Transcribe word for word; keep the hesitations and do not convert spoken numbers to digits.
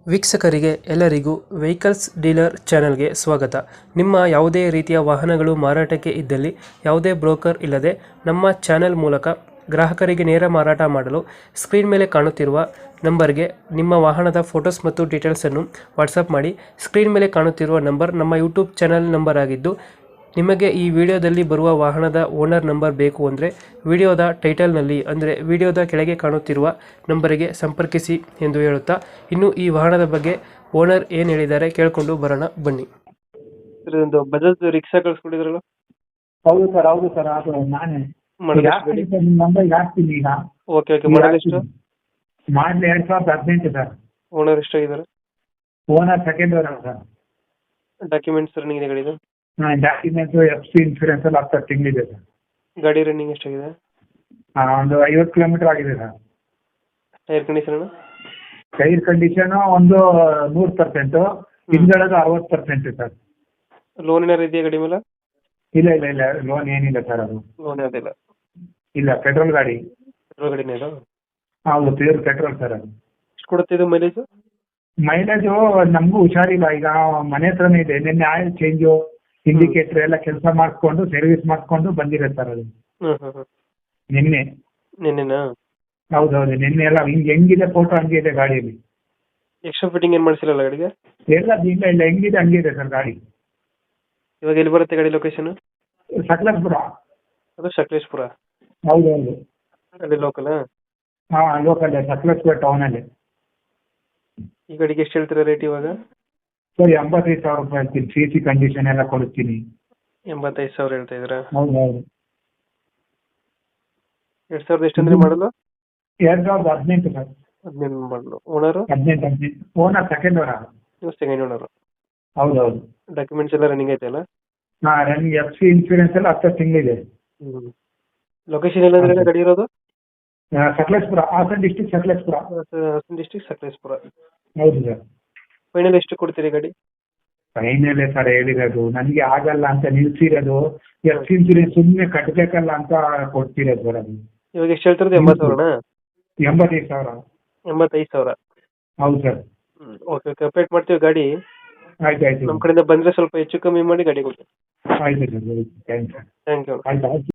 ವೀಕ್ಷಕರಿಗೆ ಎಲ್ಲರಿಗೂ vehicles dealer ಚಾನೆಲ್ಗೆ ಸ್ವಾಗತ. ನಿಮ್ಮ ಯಾವುದೇ ರೀತಿಯ ವಾಹನಗಳು ಮಾರಾಟಕ್ಕೆ ಇದ್ದಲ್ಲಿ ಯಾವುದೇ ಬ್ರೋಕರ್ ಇಲ್ಲದೆ ನಮ್ಮ ಚಾನೆಲ್ ಮೂಲಕ ಗ್ರಾಹಕರಿಗೆ ನೇರ ಮಾರಾಟ ಮಾಡಲು ಸ್ಕ್ರೀನ್ ಮೇಲೆ ಕಾಣುತ್ತಿರುವ ನಂಬರ್ಗೆ ನಿಮ್ಮ ವಾಹನದ ಫೋಟೋಸ್ ಮತ್ತು ಡೀಟೇಲ್ಸನ್ನು ವಾಟ್ಸಪ್ ಮಾಡಿ. ಸ್ಕ್ರೀನ್ ಮೇಲೆ ಕಾಣುತ್ತಿರುವ ನಂಬರ್ ನಮ್ಮ ಯೂಟ್ಯೂಬ್ ಚಾನೆಲ್ ನಂಬರ್ ಆಗಿದ್ದು, ನಿಮಗೆ ಈ ವಿಡಿಯೋದಲ್ಲಿ ಬರುವ ವಾಹನದ ಓನರ್ ನಂಬರ್ ಬೇಕು ಅಂದರೆ ವಿಡಿಯೋದ ಟೈಟಲ್ನಲ್ಲಿ ಅಂದರೆ ವಿಡಿಯೋದ ಕೆಳಗೆ ಕಾಣುತ್ತಿರುವ ನಂಬರಿಗೆ ಸಂಪರ್ಕಿಸಿ ಎಂದು ಹೇಳುತ್ತಾ, ಇನ್ನು ಈ ವಾಹನದ ಬಗ್ಗೆ ಓನರ್ ಏನು ಹೇಳಿದ್ದಾರೆ ಕೇಳಿಕೊಂಡು ಬರೋಣ ಬನ್ನಿ. ಒಂದು ಬಜಾಜ್ ರಿಕ್ಷಾ ಕಳಿಸ್ಕೊಟ್ಟಿದ್ರಲ್ಲ? ಹೌದು ಸರ್, ಹೌದು ಸರ್, ಅದು ನಾನೇ ನಂಬರ್ಗೆ ಹಾಕ್ತೀನಿ ಈಗ. ಓಕೆ ಓಕೆ ಮಾಡಲ್ ಎಷ್ಟು? ಮಾಡಲಿ ಎರಡ್ ಸಾವಿರದ ಹದಿನೆಂಟು ಸರ್. ಓನರ್ ಎಷ್ಟಾಗಿದ್ದಾರೆ? Owner second owner sir. Documents running ಇದೆ ಗಾಡಿದು? ಡಾಕ್ಯುಮೆಂಟ್ಸ್ ಎಫ್ ಸಿ ಇನ್ಶೂರೆನ್ಸ್ ಎಲ್ಲ ಹತ್ತು ತಿಂಗಳಿದೆ ಸರ್. ಗಾಡಿ ರನ್ನಿಂಗ್ ಎಷ್ಟಾಗಿದೆ? ಒಂದು ಐವತ್ತು ಕಿಲೋಮೀಟರ್ ಆಗಿದೆ sir. Tyre condition? Tyre condition ಒಂದು ನೂರು ಪರ್ಸೆಂಟು, ಹಿಂದ್ಗಡೆದು ಅರವತ್ತು ಪರ್ಸೆಂಟ್ ಸರ್. ಲೋನ್ ಏನಾರು ಇದೆಯಾ ಗಾಡಿ ಮೇಲೆ? ಇಲ್ಲ ಇಲ್ಲ ಇಲ್ಲ, ಲೋನ್ ಏನಿಲ್ಲ ಸರ್. ಅದು ಲೋನ್ ಯಾವುದಿಲ್ಲ? ಇಲ್ಲ, ಪೆಟ್ರೋಲ್ ಗಾಡಿ. ಪೆಟ್ರೋಲ್ ಗಾಡಿನೇ ಇದು? ಹೌದು, ಪ್ಯೂರ್ ಪೆಟ್ರೋಲ್ ಸರ್. ಅದು ಎಷ್ಟು ಕೊಡುತ್ತೆ ಇದು ಮೈಲೇಜ್? ಮೈಲೇಜು ನಮಗೂ ಹುಷಾರಿಲ್ಲ, ಈಗ ಮನೆ ಹತ್ರನೇ ಇದೆ. ನಿನ್ನೆ ಆಯಿಲ್ ಚೇಂಜು, ಇಂಡಿಕೇಟರ್ ಎಲ್ಲ ಕೆಲಸ ಮಾಡಿಸ್ಕೊಂಡು ಸರ್ವಿಸ್ ಮಾಡಿಸ್ಕೊಂಡು ಬಂದಿದೆ ಸರ್. ಅದು ಹ್ಞೂ ಹ್ಞೂ ಹ್ಞೂ ನಿನ್ನೆ ನಿನ್ನೆನಾ? ಹೌದೌದು, ನಿನ್ನೆ ಎಲ್ಲ ಹಿಂಗೆ ಹೆಂಗಿದೆ ಫೋಟೋ ಹಂಗೆ ಇದೆ ಗಾಡಿಯಲ್ಲಿ. ಎಕ್ಸ್ಟ್ರಾ ಫಿಟ್ಟಿಂಗ್ ಏನು ಮಾಡಿಸಿರಲ್ಲ ಗಾಡಿಗೆ? ಎಲ್ಲ ಇಲ್ಲ ಇಲ್ಲ, ಹೆಂಗಿದೆ ಹಂಗಿದೆ ಸರ್ ಗಾಡಿ. ಇವಾಗ ಎಲ್ಲಿ ಬರುತ್ತೆ ಗಾಡಿ ಲೊಕೇಶನ್? ಸಕಲೇಶ್ಪುರ. ಅದು ಸಕಲೇಶ್ಪುರ? ಹೌದೌದು, ಅಲ್ಲಿ ಲೋಕಲ್? ಹಾಂ, ಲೋಕಲ್ ಸಕಲೇಶ್ಪುರ ಟೌನಲ್ಲಿ. ಈ ಗಾಡಿಗೆ ಎಷ್ಟು ಹೇಳ್ತೀರಾ ರೇಟ್ ಇವಾಗ? ಸರ್ ಎಂಬತ್ತೈದು ಸಾವಿರ ರೂಪಾಯಿ ಹೇಳ್ತೀನಿ, ಸಿ ಸಿ ಕಂಡೀಷನ್ ಎಲ್ಲ ಕೊಡ್ತೀನಿ. ಎಂಬತ್ತೈದು ಸಾವಿರ ಹೇಳ್ತಾ ಇದ್ದೀರಾ? ಹೌದು ಹೌದು. ಎರಡು ಸಾವಿರದ ಎಷ್ಟು ಅಂದ್ರೆ ಮಾಡಲು? ಎರಡು ಸಾವಿರದ ಹದಿನೆಂಟು ಸರ್. ಹದಿನೆಂಟು ಮಾಡಲು. ಓನರು? ಹದಿನೆಂಟು ಹದಿನೆಂಟು ಓನರ್ ಸೆಕೆಂಡ್ ಓನರ್. ನೀವು ಸೆಕೆಂಡ್ ಓನರು? ಹೌದು ಹೌದು. ಡಾಕ್ಯುಮೆಂಟ್ಸ್ ಎಲ್ಲ ರನ್ನಿಂಗ್ ಐತೆ ಅಲ್ಲ? ಹಾಂ, ರನ್ನಿಂಗ್ ಎಫ್ ಸಿ ಇನ್ಶೂರೆನ್ಸ್ ಎಲ್ಲ ಹತ್ತು ತಿಂಗಳಿದೆ. ಹ್ಞೂ. ಲೊಕೇಶನ್ ಎಲ್ಲಂದ್ರೆ ಗಾಡಿ ಇರೋದು? ಸಕಲೇಶ್ಪುರ, ಹಾಸನ ಡಿಸ್ಟಿಕ್ ಸಕಲೇಶ್ಪುರ. ಹಾಸನ ಡಿಸ್ಟಿಕ್ ಸಕಲೇಶ್ಪುರ. ಹೌದು ಸರ್. ಫೈನಲ್ ಎಷ್ಟು ಕೊಡ್ತೀರಿ ಗಾಡಿ? ಫೈನಲ್ ಸರ್ ಹೇಳಿರೋದು, ನನಗೆ ಆಗಲ್ಲ ಅಂತ ನಿಲ್ಸಿರೋದು. ಎಫ್ ಸಿ ಇನ್ಶೂರೆನ್ಸ್ ಸುಮ್ಮನೆ ಕಟ್ಟಬೇಕಲ್ಲ ಅಂತ ಕೊಡ್ತಿರೋದು ಸರ್. ಅದು ಇವಾಗ ಎಷ್ಟು ಹೇಳ್ತಿರೋದು? ಎಂಬತ್ತು ಸಾವಿರನಾ? ಎಂಬತ್ತೈದು ಸಾವಿರ. ಎಂಬತ್ತೈದು ಸಾವಿರ? ಹೌದು ಸರ್. ಹ್ಞೂ ಓಕೆ ಓಕೆ, ಅಪ್ಡೇಟ್ ಮಾಡ್ತೀವಿ ಗಾಡಿ. ಆಯ್ತು ಆಯ್ತು, ನಮ್ಮ ಕಡೆಯಿಂದ ಬಂದರೆ ಸ್ವಲ್ಪ ಹೆಚ್ಚು ಕಮ್ಮಿ ಮಾಡಿ ಗಾಡಿ ಕೊಡಿ. ಆಯ್ತು sir. Thank you. Thank you. ಆಯ್ತು ಆಯ್ತು.